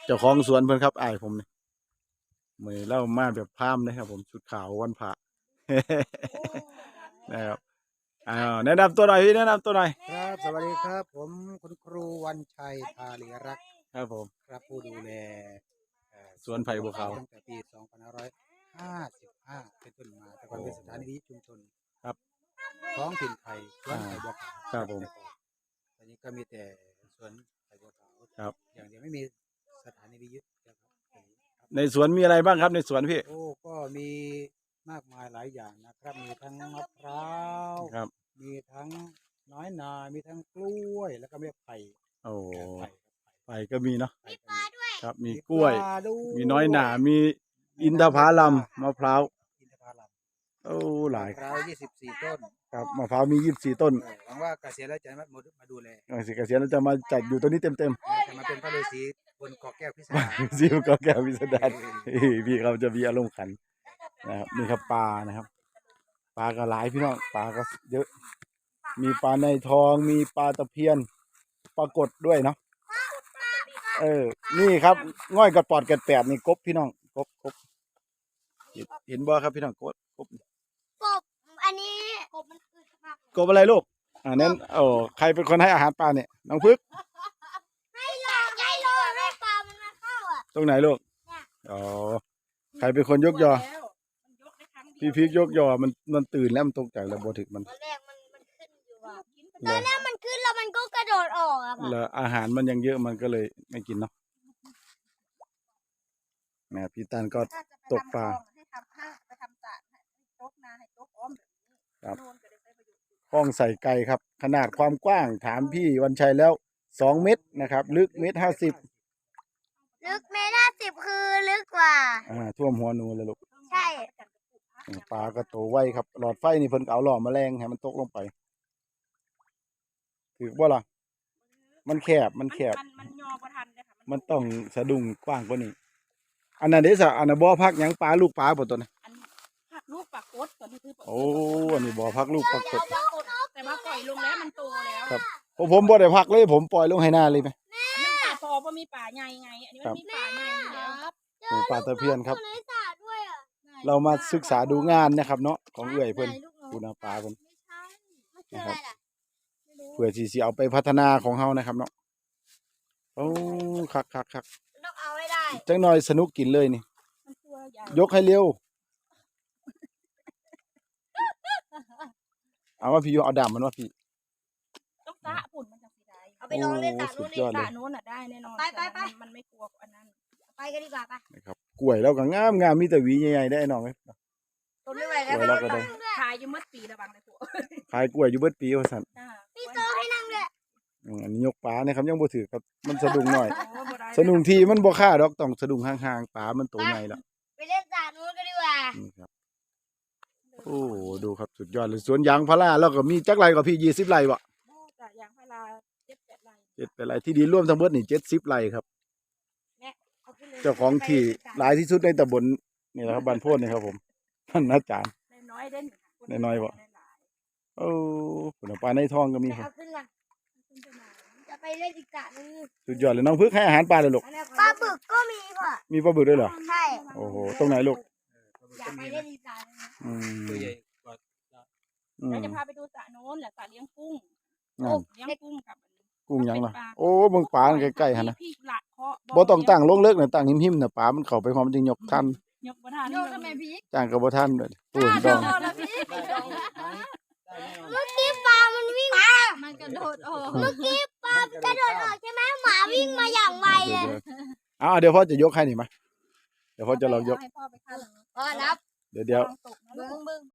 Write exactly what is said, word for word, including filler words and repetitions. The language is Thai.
จ้าของสวนเพิ่นครับอ้ายผมนี่มื้อนี้เรามาแบบพราหมณ์นะครับผมชุดขาววันพระ นะครับอ้าวแนะนำตัวหน่อยพี่แนะนำตัวหน่อยครับสวัสดีครับผมคุณครูวันชัยทาลีรักษ์ครับผมครับผู้ดูแลสวนไผ่บัวขาวตั้งแต่ปี สองพันห้าร้อยห้าสิบห้า เป็นต้นมาแต่ก่อนเป็นสถานีวิทยุชุมชนครับท้องถิ่นไผ่สวนไผ่บัวขาวครับผมตอนนี้ก็มีแต่สวนไผ่บัวขาวครับอย่างเดียวไม่มีสถานีวิทยุครับในสวนมีอะไรบ้างครับในสวนพี่โอ้ก็มีมากมายหลายอย่างนะครับมีทั้งมะพร้าวครับมีทั้งน้อยนามีทั้งกล้วยแล้วก็มีไผ่โอ้ไผ่ไผ่ก็มีเนาะมีปลาด้วยครับมีกล้วยมีน้อยหน่ามีมีอินทผลัมมะพร้าวอินทผลัมโอ้หลายมะพร้าวยี่สิบสี่ต้นครับมะพร้าวมียี่สิบสี่ต้นหวังว่าเกษียณแล้วจะมามาดูแลเกษียณเกษียณแล้วจะมาจัดอยู่ตัวนี้เต็มเต็มจะมาเป็นพระฤาษีบนเกาะแก้วพิสดารซิวก็แก้วพิสดารพี่เขาจะมีอารมณ์ขันนะครับนี่ครับปลานะครับปลาก็หลายพี่น้องปลาก็เยอะมีปลาในทองมีปลาตะเพียนปลากดด้วยเนาะเออนี่ครับง่อยกระปอดกระแปดนี่กบพี่น้องกบกบเห็นบ่ครับพี่น้องกบกบกบอันนี้กบมันอึดมากกบอะไรลูกอ่านั้นโอ้ใครเป็นคนให้อาหารปลาเนี่ยน้องพึกให้หลอกให้หลอกให้ปลามันมาเข้าอ่ะตรงไหนลูกอ๋อใครเป็นคนยกยอพี่พีกยกยอมันมันตื่นแล้วมันตกใจแล้วบ่ถึกมันตอนแรกมันมันขึ้นอยู่อ่ะตอนแรกมันขึ้นแล้วมันก็กระโดดออกอ่ะแล้วอาหารมันยังเยอะมันก็เลยไม่กินเนาะแม่พี่ตันก็ตกปลาครับห้องใส่ไก่ครับขนาดความกว้างถามพี่วันชัยแล้วสองเมตรนะครับลึกเมตรห้าสิบลึกเมตรห้าสิบคือลึกกว่าอ่าท่วมหัวนูเลยลูกใช่ปลาก็โตไวครับหลอดไฟนี่เพิ่นเอาหล่อแมลงให้มันตกลงไปถือว่าล่ะมันแคบมันแคบมันยอประทันเลยค่ะมันต้องสะดุ้งกว้างกว่านี้อันนั้นเด้ซะอันนั้นบ่อพักหยังปลาลูกปลาบ่ตัวนี้พักลูกปลากดตัวนี้คือโอ้อันนี้บ่อพักลูกปลากดแต่ว่าปล่อยลงแล้วมันโตแล้วครับผมบ่ได้พักเลยผมปล่อยลงให้หน้าเลยไหมอันนี้ป่าพอเพราะมีป่าใหญ่ไงอันนี้มันมีป่าใหญ่ครับหมูปลาตะเพียนครับเรามาศึกษาดูงานนะครับเนาะของเอื้อยเพิ่นคุณอาปลาเพิ่นนะครับเพื่อที่สิเอาไปพัฒนาของเฮานะครับเนาะโอ้คักคักคักต้องเอาให้ได้จังหน่อยสนุกกินเลยนี่ยกให้เร็วเอาว่าพี่เอาดำมันว่าพี่ต้องตะปุ่นมันจะสีได้เอาไปลองเล่นตะโน้นตะโน้นอ่ะได้แน่นอนไปไปไปมันไม่กลัวอันนั้นไปกันดีกว่าไปนะครับกล้วยเราก็งามงามมีแต่หวีใหญ่ๆได้น้องเอ้ยต้นไม่ไหวแล้วขายอยู่มัดปีระวังเลยพวกขายกล้วยอยู่เบิดปีว่าซั่นพี่โตให้นั่งด้วยอันนี้ยกปลาเนี่ยครับยังบ่ถือครับมันสะดุ้งหน่อยสะดุ้งทีมันบ่ค่าดอกต้องสะดุ้งห่างๆปลามันโตใหญ่แล้วไปเล่นสระนู้นกันดีกว่านี่ครับโอ้ดูครับสุดยอดเลยสวนยางพาราแล้วก็มีจักไร่ก็พี่ยี่สิบไร่บ่ยางพาราเจ็ดแปดไร่เจ็ดแปดไร่ที่ดินร่วมทั้งหมดนี่เจ็ดสิบไร่ครับเจ้าของที่หลายที่สุดในตำบลนี่แหละครับบ้านโพนนี่ครับผมท่านอาจารย์น้อยเด่นน้อยบ่โอ้ผลปลาในท้องก็มีครับจะไปเล่นอีกสระนึงสุดยอดเลยน้องพึกให้อาหารปลาเลยลูกปลาบึกก็มีพ่อมีปลาบึกด้วยเหรอใช่โอ้โหตรงไหนลูกอยากไปเล่นอีกสระนึงอืมเราจะพาไปดูสระโน้นแหละสระเลี้ยงกุ้งเลี้ยงกุ้งกับกุ้งยังล่ะโอ้เบิ่งปลาใกล้ๆหั่นนะบ่ต้องตั้งลงเลิกน่ะตั้งหิมๆน่ะปลามันเข้าไปพร้อมจึงยกทันยกบ่ทันยกทำไมพี่จ้างก็บ่ทันด้วยโอ้ดองเมื่อกี้ปลามันวิ่งมันกระโดดออกเมื่อกี้ปลากระโดดออกใช่ไหมหมาวิ่งมาอย่างไวเลยอ้าวเดี๋ยวพ่อจะยกให้นี่มาเดี๋ยวพ่อจะลองยกพ่อนับเดี๋ยวเดี๋ยว